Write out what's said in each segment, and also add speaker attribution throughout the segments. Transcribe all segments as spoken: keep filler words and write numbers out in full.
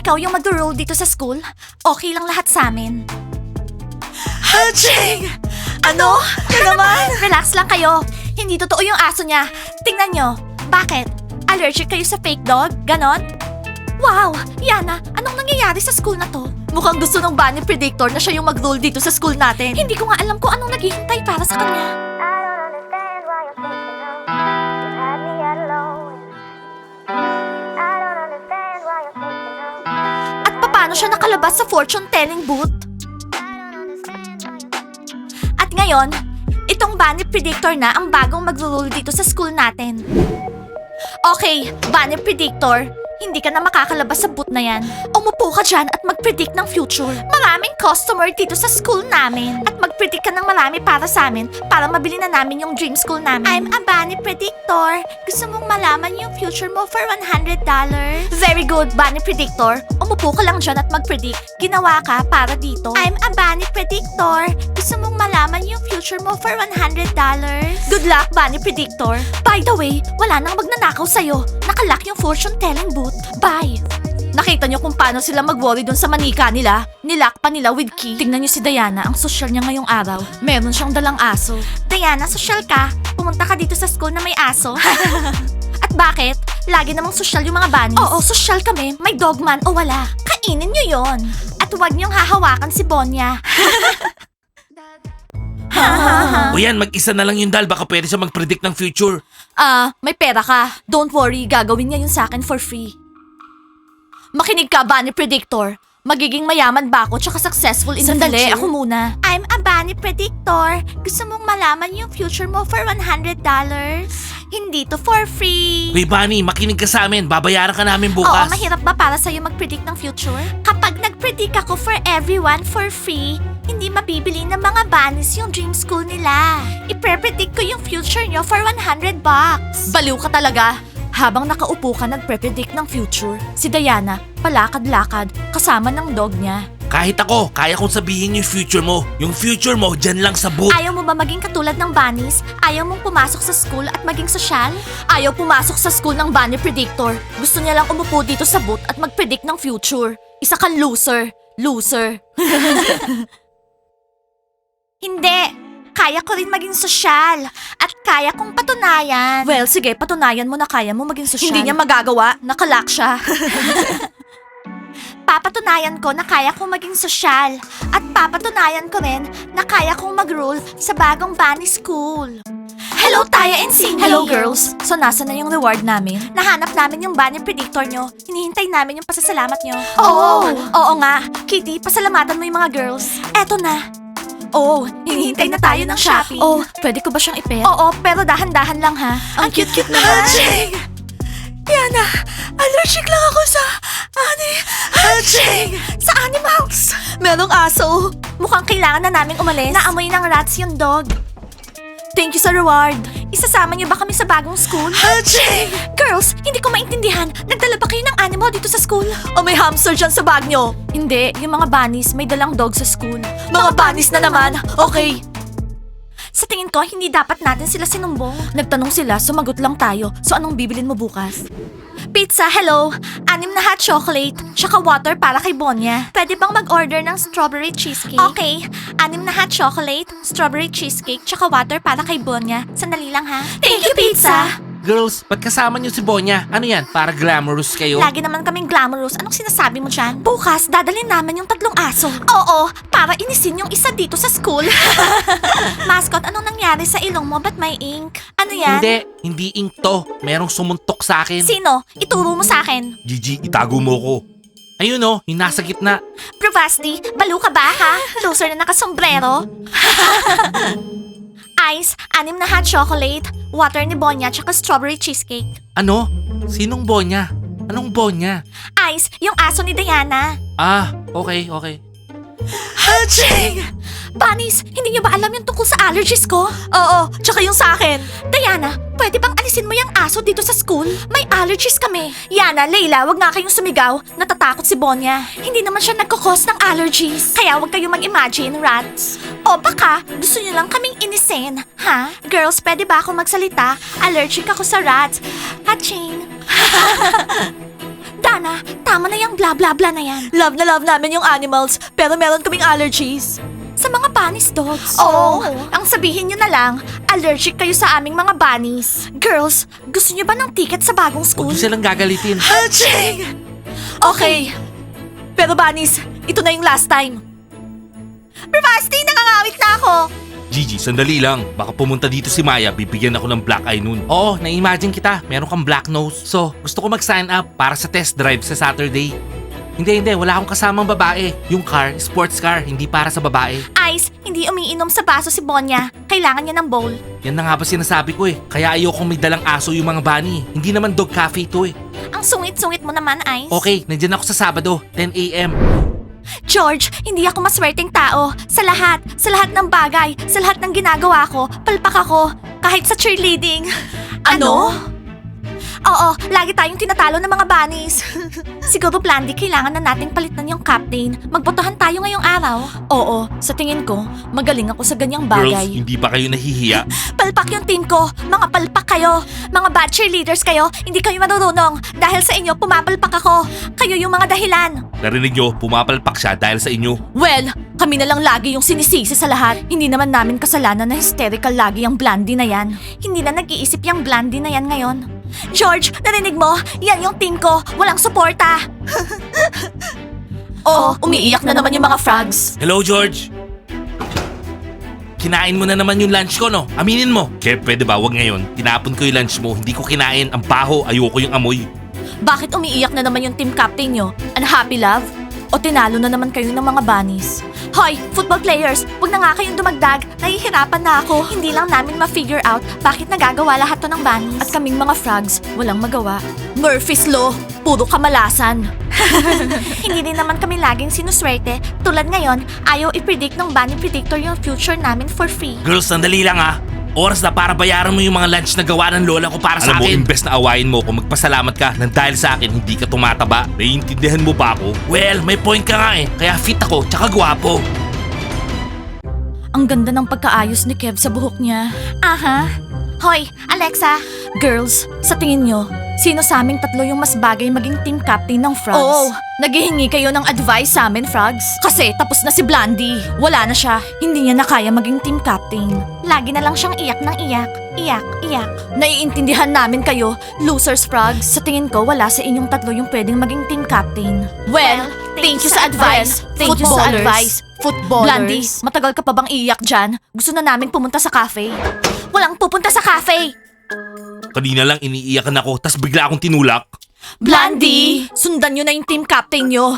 Speaker 1: ikaw yung mag-rule dito sa school, okay lang lahat sa amin.
Speaker 2: Haching! Ano? Ano naman?
Speaker 1: Relax lang kayo. Hindi totoo yung aso niya. Tingnan nyo. Bakit? Allergic kayo sa fake dog? Ganon? Wow! Yana, anong nangyayari sa school na to?
Speaker 2: Mukhang gusto ng Bunny Predictor na siya yung mag-rule dito sa school natin.
Speaker 1: Hindi ko nga alam kung anong naghihintay para sa kanya.
Speaker 3: I don't understand why you're thinking of you had me at alone. I don't understand why you're thinking of
Speaker 1: At paano siya nakalabas sa fortune-telling booth? At ngayon, itong Bunny Predictor na ang bagong mag-rule dito sa school natin. Okay, Bunny Predictor, hindi ka na makakalabas sa booth na yan. Umupo ka dyan at mag-predict ng future. Maraming customer dito sa school namin. At mag-predict ka ng marami para sa amin para mabili na namin yung dream school namin. I'm a Bunny Predictor. Gusto mong malaman yung future mo for one hundred dollars? Very good, Bunny Predictor. Umupo ka lang dyan at mag-predict. Ginawa ka para dito. I'm a Bunny Predictor. Gusto mong malaman yung future mo for one hundred dollars? Good luck, Bunny Predictor. By the way, wala nang magnanakaw sa'yo. Nakalock yung fortune-telling booth. Bye! Nakita niyo kung paano sila mag-worry dun sa manika nila? Nilock pa nila with key. Tingnan niyo si Diana, ang social niya ngayong araw. Meron siyang dalang aso. Diana, social ka? Pumunta ka dito sa school na may aso? At bakit? Lagi namang social yung mga bunnies. Oo, social kami. May dogman o wala. Kainin niyo yon. At huwag niyong hahawakan si Bonya.
Speaker 4: O yan, mag-isa na lang yung dal. Baka pwede siya mag-predict ng future.
Speaker 1: Ah, may pera ka. Don't worry, gagawin niya yun sa akin for free. Makinig ka, Bunny Predictor. Magiging mayaman ba ako tsaka successful in
Speaker 2: Sandali,
Speaker 1: the future?
Speaker 2: ako muna.
Speaker 1: I'm a Bunny Predictor. Gusto mong malaman yung future mo for one hundred dollars? Hindi to for free.
Speaker 4: Hoy Bunny, makinig ka sa amin. Babayaran ka namin
Speaker 1: Oo,
Speaker 4: bukas.
Speaker 1: mahirap ba para sa'yo mag-predict ng future? Kapag nag-predict ako for everyone for free, hindi mabibili ng mga bunnies yung dream school nila. Ipre-predict ko yung future nyo for one hundred bucks.
Speaker 2: Baliw ka talaga. Habang nakaupo ka nagpre-predict ng future, si Diana palakad-lakad kasama ng dog niya.
Speaker 4: Kahit ako, kaya kong sabihin yung future mo. Yung future mo, dyan lang sa booth.
Speaker 1: Ayaw mo ba maging katulad ng bunnies? Ayaw mong pumasok sa school at maging sosyal?
Speaker 2: Ayaw pumasok sa school ng Bunny Predictor. Gusto niya lang umupo dito sa booth at mag-predict ng future. Isa kang loser. Loser.
Speaker 1: Hindi! Kaya ko rin maging sosyal. At kaya kong patunayan.
Speaker 2: Well, sige, patunayan mo na kaya mo maging sosyal.
Speaker 1: Hindi niya
Speaker 2: magagawa. Nakalock siya.
Speaker 1: Papatunayan ko na kaya kong maging sosyal. At papatunayan ko rin na kaya kong mag-rule sa bagong bunny school. Hello, Taya and Cindy!
Speaker 2: Hello, girls. So, nasa na yung reward namin?
Speaker 1: Nahanap namin yung bunny predictor nyo. Hinihintay namin yung pasasalamat nyo.
Speaker 2: Oh!
Speaker 1: Oo nga. Kitty, pasalamatan mo yung mga girls. Eto na.
Speaker 2: Oh,
Speaker 1: Hinihintay na tayo ng Shopee.
Speaker 2: Oh, pwede ko ba siyang ipet?
Speaker 1: Oo, pero dahan-dahan lang ha.
Speaker 2: Ang cute-cute naman.
Speaker 1: Haching! Yana, allergic lang ako sa ani... Haching! Sa animals!
Speaker 2: Merong aso.
Speaker 1: Mukhang kailangan na naming umalis. Naamoy ng rats yung dog.
Speaker 2: Thank you sa reward.
Speaker 1: Isasama niyo ba kami sa bagong school?
Speaker 2: Haching!
Speaker 1: Girls, hindi ko maintindihan. Nagdala ba kayo ng animal dito sa school?
Speaker 2: O may hamster dyan sa bag nyo? Hindi, yung mga bunnies may dalang dog sa school. Mga bunnies na naman. Okay.
Speaker 1: Sa tingin ko, hindi dapat natin sila sinumbong.
Speaker 2: Nagtanong sila, sumagot lang tayo. So anong bibilin mo bukas?
Speaker 1: Pizza, hello. Anim na hot chocolate, tsaka water para kay Bonya. Pwede bang mag-order ng strawberry cheesecake? Okay. Anim na hot chocolate, strawberry cheesecake, tsaka water para kay Bonya. Sandali lang ha.
Speaker 2: Thank you, pizza.
Speaker 4: Girls, ba't kasama niyo si Bonya? Ano yan? Para glamorous kayo?
Speaker 1: Lagi naman kaming glamorous. Anong sinasabi mo dyan? Bukas, dadalhin namin yung tatlong aso. Oo, para inisin yung isa dito sa school. Mascot, anong nangyari sa ilong mo? Ba't may ink? Ano yan?
Speaker 4: Hindi, hindi ink to. Merong sumuntok sa akin.
Speaker 1: Sino? Ituro mo sa akin.
Speaker 4: Gigi, itago mo ko. Ayun oh, yung nasa gitna.
Speaker 1: Bravasti, balo ka ba ha? Loser na nakasombrero. Ice, anim na hot chocolate, water ni Bonya, tsaka strawberry cheesecake.
Speaker 4: Ano? Sinong Bonya? Anong Bonya?
Speaker 1: Ice, yung aso ni Diana.
Speaker 4: Ah, okay, okay.
Speaker 2: Haching!
Speaker 1: Bunnies, hindi niyo ba alam yung tungkol sa allergies ko?
Speaker 2: Oo, tsaka yung sa akin.
Speaker 1: Diana, pwede bang alisin mo yung aso dito sa school? May allergies kami. Yana, Leila, wag nga kayong sumigaw. Natatakot si Bonya. Hindi naman siya nagkakos ng allergies. Kaya wag kayong mag-imagine, rats. O baka, gusto niyo lang kaming inisin. Ha? Girls, pwede ba ako magsalita? Allergic ako sa rats. Haching. Diana, tama na yung bla bla bla na yan.
Speaker 2: Love na love namin yung animals, pero meron kaming allergies.
Speaker 1: Sa mga bunnies, dogs. Oo, ang sabihin nyo na lang, allergic kayo sa aming mga bunnies. Girls, gusto nyo ba ng ticket sa bagong
Speaker 4: Huwag
Speaker 1: school?
Speaker 4: niyo silang gagalitin.
Speaker 2: Aching! Okay. Pero Bunnies, ito na yung last time.
Speaker 1: Bravasti, nangangawit na ako.
Speaker 4: Gigi, sandali lang. Baka pumunta dito si Maya, bibigyan ako ng black eye noon. Oo, na-imagine kita. Meron kang black nose. So, gusto ko mag-sign up para sa test drive sa Saturday. Hindi, hindi. Wala akong kasamang babae. Yung car, sports car, hindi para sa babae.
Speaker 1: Ice, hindi umiinom sa baso si Bonya. Kailangan niya ng bowl.
Speaker 4: Yan na nga ba sinasabi ko eh. Kaya ayokong may dalang aso yung mga bunny. Hindi naman dog cafe to eh.
Speaker 1: Ang sungit-sungit mo naman, Ice.
Speaker 4: Okay, nandyan ako sa Sabado, ten a.m.
Speaker 1: George, hindi ako maswerteng tao. Sa lahat, sa lahat ng bagay, sa lahat ng ginagawa ko, palpak ako. Kahit sa cheerleading.
Speaker 2: Ano?
Speaker 1: Oo, lagi tayong tinatalo ng mga bunnies. Siguro, Blandy, kailangan na nating palitan yung captain. Magbotohan tayo ngayong araw.
Speaker 2: Oo, sa tingin ko, magaling ako sa ganyang
Speaker 4: Girls,
Speaker 2: bagay.
Speaker 4: hindi ba kayo nahihiya?
Speaker 1: Palpak yung team ko. Mga palpak kayo. Mga bad cheerleaders kayo. Hindi kayo marunong. Dahil sa inyo, pumapalpak ako. Kayo yung mga dahilan.
Speaker 4: Narinig nyo, pumapalpak siya dahil sa inyo.
Speaker 2: Well, kami na lang lagi yung sinisisi sa lahat. Hindi naman namin kasalanan na hysterical lagi yung Blandy na yan.
Speaker 1: Hindi na nag-iisip yung Blandy na yan ngayon. George, narinig mo? Yan yung team ko. Walang suporta.
Speaker 2: Oh, umiiyak na naman yung mga frogs.
Speaker 4: Hello, George. Kinain mo na naman yung lunch ko, no? Aminin mo. Kev, pwede ba? Wag ngayon. Tinapon ko yung lunch mo. Hindi ko kinain. Ang baho. Ayoko yung amoy.
Speaker 2: Bakit umiiyak na naman yung team captain nyo? Unhappy love? O tinalo na naman kayo ng mga bunnies?
Speaker 1: Hoy, football players, huwag na nga kayong dumagdag. Nahihirapan na ako. Hindi lang namin ma-figure out bakit nagagawa lahat to ng bunnies.
Speaker 2: At kaming mga frogs, walang magawa. Murphy's Law, puro kamalasan.
Speaker 1: Hindi din naman kami laging sinuswerte. Tulad ngayon, ayaw i-predict ng bunny predictor yung future namin for free.
Speaker 4: Girls, sandali lang ha. Oras na para bayaran mo yung mga lunch na gawa ng lola ko para sa
Speaker 5: Alam mo,
Speaker 4: akin.
Speaker 5: imbes na awayin mo kung magpasalamat ka nang dahil sa akin hindi ka tumataba. Naiintindihan mo ba ako?
Speaker 4: Well, may point ka nga eh. Kaya fit ako, tsaka gwapo.
Speaker 2: Ang ganda ng pagkaayos ni Kev sa buhok niya.
Speaker 1: Aha. Hoy, Alexa.
Speaker 2: Girls, sa tingin nyo, sino sa aming tatlo yung mas bagay maging team captain ng frogs? Oo, naghihingi kayo ng advice sa amin, frogs? Kasi tapos na si Blandy. Wala na siya. Hindi niya na kaya maging team captain.
Speaker 1: Lagi na lang siyang iyak ng iyak. Iyak, iyak.
Speaker 2: Naiintindihan namin kayo, losers frogs. Sa tingin ko, wala sa inyong tatlo yung pwedeng maging team captain. Well, thank you sa advice. Thank you sa advice.
Speaker 1: Footballers.
Speaker 2: Blandy, matagal ka pa bang iiyak dyan? Gusto na namin pumunta sa cafe.
Speaker 1: Walang pupunta sa cafe.
Speaker 5: Kanina lang iniiyakan ako tas bigla akong tinulak.
Speaker 2: Blandy! Sundan nyo na yung team captain nyo.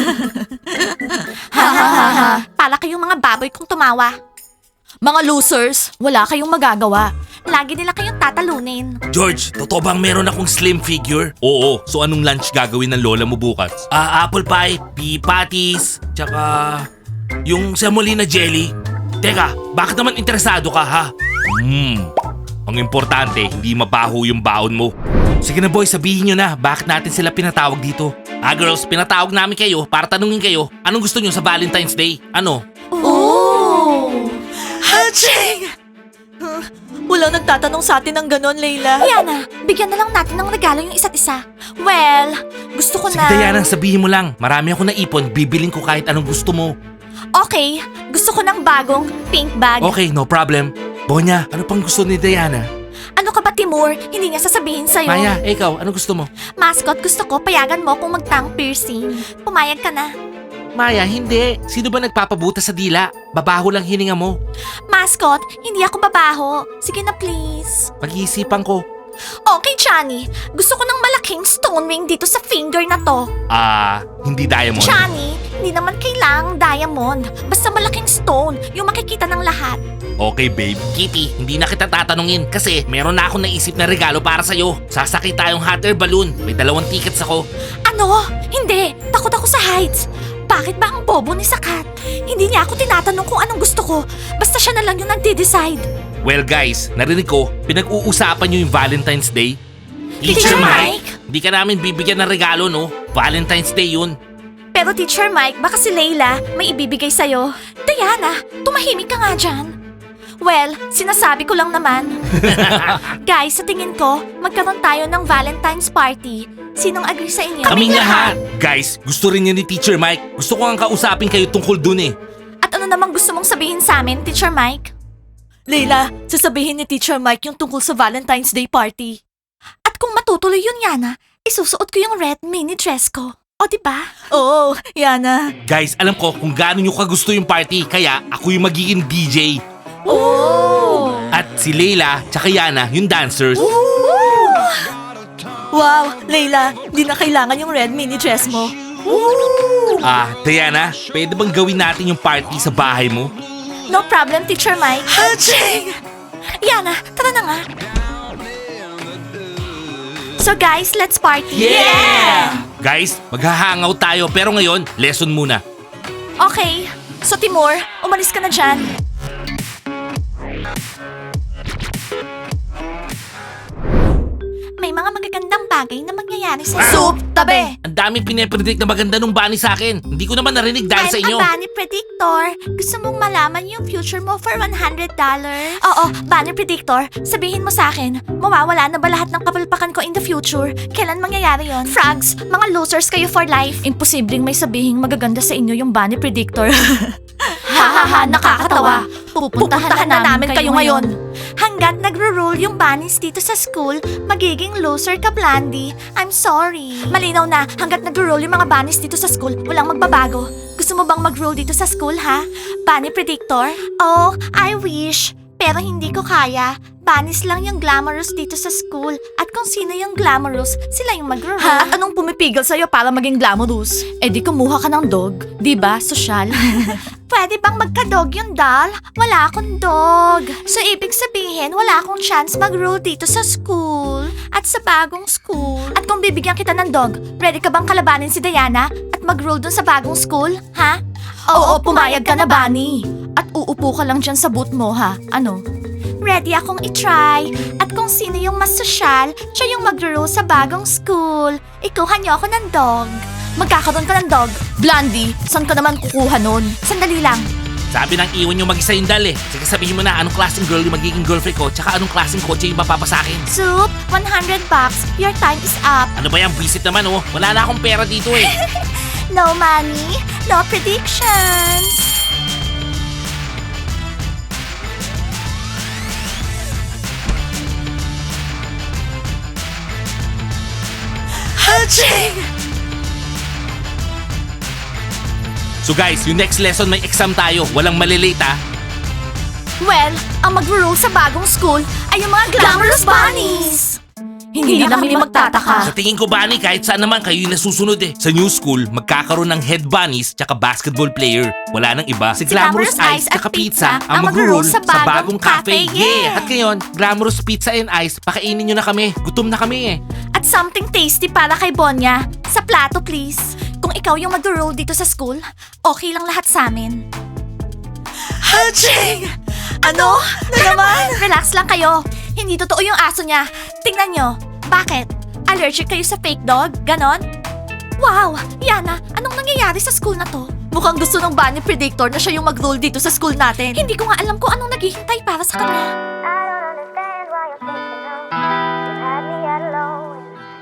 Speaker 1: Ha ha ha ha. Pala kayong mga baboy kung tumawa.
Speaker 2: Mga losers, wala kayong magagawa.
Speaker 1: Lagi nila kayong tatalunin.
Speaker 4: George, totoo bang meron akong slim figure?
Speaker 5: Oo, so anong lunch gagawin ng lola mo bukas?
Speaker 4: Ah, apple pie, pea patties, tsaka yung semolina jelly. Teka, bakit naman interesado ka ha?
Speaker 5: Hmm, ang importante, hindi mabaho yung baon mo.
Speaker 4: Sige na boy, sabihin nyo na, bakit natin sila pinatawag dito? Ah girls, pinatawag namin kayo para tanungin kayo, anong gusto nyo sa Valentine's Day? Ano?
Speaker 2: Oh! Haching! Walang nagtatanong sa atin ng ganon, Layla.
Speaker 1: Diana, bigyan na lang natin ng regalo yung isa't isa. Well, gusto ko
Speaker 4: Sige
Speaker 1: na...
Speaker 4: Diana, sabihin mo lang, marami ako naipon, bibiling ko kahit anong gusto mo.
Speaker 1: Okay, gusto ko ng bagong pink bag.
Speaker 4: Okay, no problem. Bonya, ano pang gusto ni Diana?
Speaker 1: Ano ka ba, Timur? Hindi niya sasabihin sa'yo.
Speaker 4: Maya, eh, ikaw, ano gusto mo?
Speaker 1: Mascot, gusto ko payagan mo kung magtang piercing. Pumayag ka na.
Speaker 4: Maya, hindi. Sino ba nagpapabuta sa dila? Babaho lang hininga mo.
Speaker 1: Mascot, hindi ako babaho. Sige na, please.
Speaker 4: Pag-iisipan ko.
Speaker 1: Okay, Johnny. Gusto ko ng malaking stone ring dito sa finger na to.
Speaker 5: Ah, hindi diamond.
Speaker 1: Johnny, hindi naman kailangang diamond. Basta malaking stone, yung makikita ng lahat.
Speaker 5: Okay, babe.
Speaker 4: Kitty, hindi na kita tatanungin kasi meron na akong naisip na regalo para sa'yo. Sasakay tayong hot air balloon. May dalawang tickets ako.
Speaker 1: Ano? Hindi. Takot ako sa heights. Bakit ba ang bobo ni Sakat? Hindi niya ako tinatanong kung anong gusto ko. Basta siya na lang yung nagde-decide.
Speaker 5: Well guys, narinig ko, pinag-uusapan nyo yung Valentine's Day.
Speaker 1: Teacher Mike?
Speaker 4: Hindi ka namin bibigyan ng regalo, no? Valentine's Day yun.
Speaker 1: Pero Teacher Mike, baka si Layla may ibibigay sa'yo. Diana, tumahimik ka nga dyan. Well, sinasabi ko lang naman. Guys, sa tingin ko, magkaroon tayo ng Valentine's party. Sinong agree sa inyo?
Speaker 5: Kaming lahat. Guys, gusto rin yan ni Teacher Mike. Gusto ko ang kausapin kayo tungkol dun eh.
Speaker 1: At ano namang gusto mong sabihin sa amin, Teacher Mike?
Speaker 2: Leila, sasabihin ni Teacher Mike yung tungkol sa Valentine's Day party.
Speaker 1: At kung matutuloy yun, Yana, isusuot ko yung red mini dress ko. O, diba?
Speaker 2: Oo, Yana.
Speaker 5: Guys, alam ko kung gaano nyo kagusto yung party, kaya ako yung magiging D J.
Speaker 2: Oh!
Speaker 5: At si Leila, tsaka Yana, yung dancers.
Speaker 2: Wow, Leila, di na kailangan yung red mini dress mo.
Speaker 5: Ah, Diana, pwede bang gawin natin yung party sa bahay mo?
Speaker 1: No problem, Teacher Mike.
Speaker 2: Haching!
Speaker 1: Yana, tara na nga. So guys, let's party.
Speaker 5: Guys, maghahangout tayo pero ngayon, lesson muna.
Speaker 1: Okay. So Timur, umalis ka na dyan. May mga magagandang bagay na mangyayari sa
Speaker 2: Soup, tabi!
Speaker 5: Ang daming pinapredict na maganda nung bunny sa akin. Hindi ko naman narinig dahil sa
Speaker 1: I'm
Speaker 5: inyo.
Speaker 1: a bunny predictor. Gusto mong malaman yung future mo for one hundred dollars? Oo, bunny predictor. Sabihin mo sa akin, mawawala na ba lahat ng kapalpakan ko in the future? Kailan mangyayari yon? Frogs, mga losers kayo for life.
Speaker 2: Imposibleng may sabihing magaganda sa inyo yung bunny predictor.
Speaker 1: Hahaha, nakakatawa. Pupuntahan na namin kayo ngayon. Hanggat nagro-roll yung bunnies dito sa school, magiging loser ka, Blandy. I'm sorry. Malinaw na, hanggat nagro-roll yung mga bunnies dito sa school, walang magbabago. Gusto mo bang mag-roll dito sa school, ha? Bunny predictor? Oh, I wish. Pero hindi ko kaya. Bunnies lang yung glamorous dito sa school. At kung sino yung glamorous, sila yung mag-roll.
Speaker 2: Ha? At anong pumipigil sa'yo para maging glamorous? Eh di kumuha ka ng dog. Di ba? Sosyal.
Speaker 1: Pwede bang magka-dog yung doll? Wala akong dog. So, ibig sabihin, wala akong chance mag-roll dito sa school. At sa bagong school. At kung bibigyan kita ng dog, ready ka bang kalabanin si Diana at mag-roll dun sa bagong school? Ha?
Speaker 2: Oo, pumayag ka na, Bunny. At uupo ka lang dyan sa boot mo, ha? Ano?
Speaker 1: Ready akong itry. At kung sino yung mas sosyal, siya yung mag-roll sa bagong school. Ikuha niyo ako ng dog. Magkakaroon ka ng dog.
Speaker 2: Blondie, saan ka naman kukuha nun?
Speaker 1: Sandali lang.
Speaker 5: Sabi ng iwan nyo mag-isa yung dal eh. Sige sabihin mo na anong klaseng girl yung magiging girlfriend ko, tsaka anong klaseng kotse yung mapapasakin.
Speaker 1: Soup, one hundred bucks. Your time is up.
Speaker 5: Ano ba yan? Visit naman oh. Wala na akong pera dito eh.
Speaker 1: No money, no predictions.
Speaker 2: Haching!
Speaker 5: So guys, yung next lesson may exam tayo. Walang malilate ah.
Speaker 1: Well, ang mag-roll sa bagong school ay yung mga glamorous bunnies.
Speaker 2: Hindi, na kami magtataka.
Speaker 5: Sa tingin ko, Bunny, kahit saan naman kayo yung nasusunod eh. Sa new school, magkakaroon ng head bunnies tsaka basketball player. Wala nang iba. Si Glamorous Ice tsaka Pizza ang mag-roll sa bagong cafe. Yeah! At ngayon, Glamorous Pizza and Ice, pakainin nyo na kami. Gutom na kami eh.
Speaker 1: At something tasty para kay Bonya. Sa plato, please. Kung ikaw yung mag-roll dito sa school, okay lang lahat sa amin.
Speaker 2: Haching! Ano? Na naman?
Speaker 1: Relax lang kayo. Hindi totoo yung aso niya. Tingnan nyo. Bakit? Allergic kayo sa fake dog? Ganon? Wow! Yana, anong nangyayari sa school na to?
Speaker 2: Mukhang gusto ng bunny predictor na siya yung mag-roll dito sa school natin.
Speaker 1: Hindi ko nga alam kung anong naghihintay para sa kanya.
Speaker 3: I don't understand why you're thinking of. You had me at alone.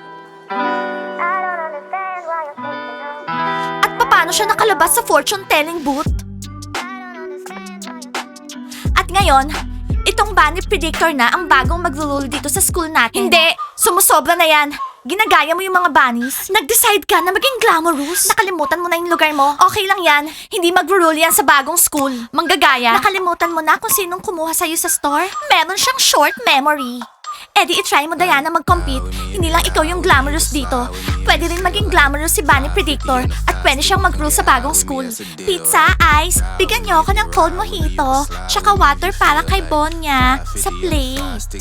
Speaker 3: I don't understand why you're thinking of.
Speaker 1: At paano siya nakalabas sa fortune-telling booth?
Speaker 3: I don't understand why you're
Speaker 1: At ngayon, itong bunny predictor na ang bagong mag-roll dito sa school natin. Hindi! Sumusobra na yan. Ginagaya mo yung mga bunnies. Nag-decide ka na maging glamorous. Nakalimutan mo na yung lugar mo. Okay lang yan. Hindi mag-roll yan sa bagong school. Manggagaya. Nakalimutan mo na kung sinong kumuha sa'yo sa store? Meron siyang short memory. Eh di itry mo, Diana, mag-compete. Hindi lang ikaw yung glamorous dito. Pwede rin maging glamorous si Bunny Predictor at pwede siyang mag-roll sa bagong school. Pizza, ice, bigyan niyo ako ng cold mojito, tsaka water para kay Bonya sa plate.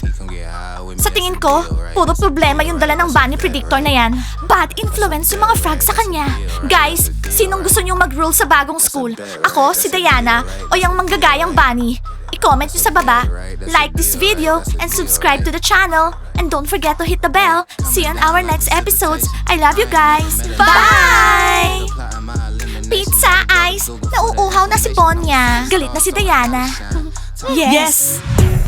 Speaker 1: Sa tingin ko, puro problema yung dala ng Bunny Predictor na yan. Bad influence yung mga frogs sa kanya. Guys, sinong gusto niyong mag-roll sa bagong school? Ako, si Diana, o yung manggagayang Bunny? I-comment nyo sa baba, like this video, and subscribe to the channel. And don't forget to hit the bell. See you on our next episodes. I love you guys. Bye! Pizza, ice, nauuhaw na si Bonya. Galit na si Diana.
Speaker 2: Yes!